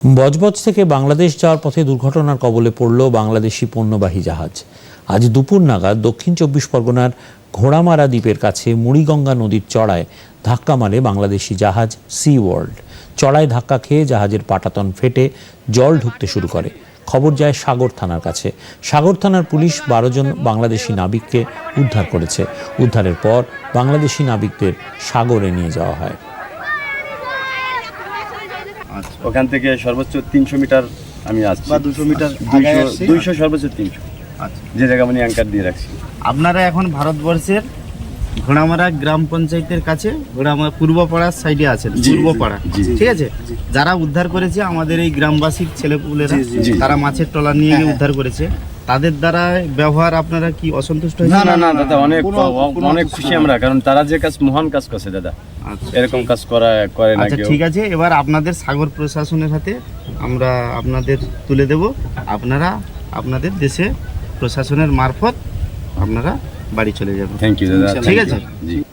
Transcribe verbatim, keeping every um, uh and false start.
বজবজ থেকে বাংলাদেশ যাওয়ার পথে দুর্ঘটনার কবলে পড়ল বাংলাদেশি পণ্যবাহী জাহাজ। আজ দুপুর নাগাদ দক্ষিণ চব্বিশ পরগনার ঘোড়ামারা দ্বীপের কাছে মুড়িগঙ্গা নদীর চড়ায় ধাক্কা মারে বাংলাদেশি জাহাজ সি ওয়ার্ল্ড। চড়ায় ধাক্কা খেয়ে জাহাজের পাটাতন ফেটে জল ঢুকতে শুরু করে। খবর যায় সাগর থানার কাছে। সাগর থানার পুলিশ বারো জন বাংলাদেশি নাবিককে উদ্ধার করেছে। উদ্ধারের পর বাংলাদেশি নাবিকদের সাগরে নিয়ে যাওয়া হয়। ওখান থেকে সর্বোচ্চ তিনশো মিটার আমি আসছি বা দুশো মিটার দুইশো সর্বোচ্চ তিনশো আচ্ছা, যে জায়গা মানে অ্যাঙ্কার দিয়ে রাখছি। আপনারা এখন ভারতবর্ষের ঘোড়ামারা গ্রাম পঞ্চায়েতের কাছে ঘোড়ামারা পূর্বপাড়ার সাইডে আছেন। জি, পূর্বপাড়া জি, জি। ঠিক আছে। যারা উদ্ধার করেছে আমাদের এই গ্রামবাসীর ছেলেপুলেরা, জি। তারা মাছের ট্রলার নিয়ে গিয়ে উদ্ধার করেছে। তাদের দ্বারা ব্যবহার আপনারা কি অসন্তুষ্ট না হয়েছে? না না দাদা, অনেক অনেক খুশি আমরা, কারণ তারা যে কাজ মহান কাজ করছে দাদা, আচ্ছা এরকম কাজ করা করে না আচ্ছা, কেউ। ঠিক আছে। এবার আপনাদের সাগর প্রশাসনের হাতে আমরা আপনাদের তুলে দেব। আপনারা আপনাদের দেশে প্রশাসনের মারফত আপনারা বাড়ি চলে যাবেন। থ্যাংক ইউ দাদা, ঠিক thank আছে। you। জি।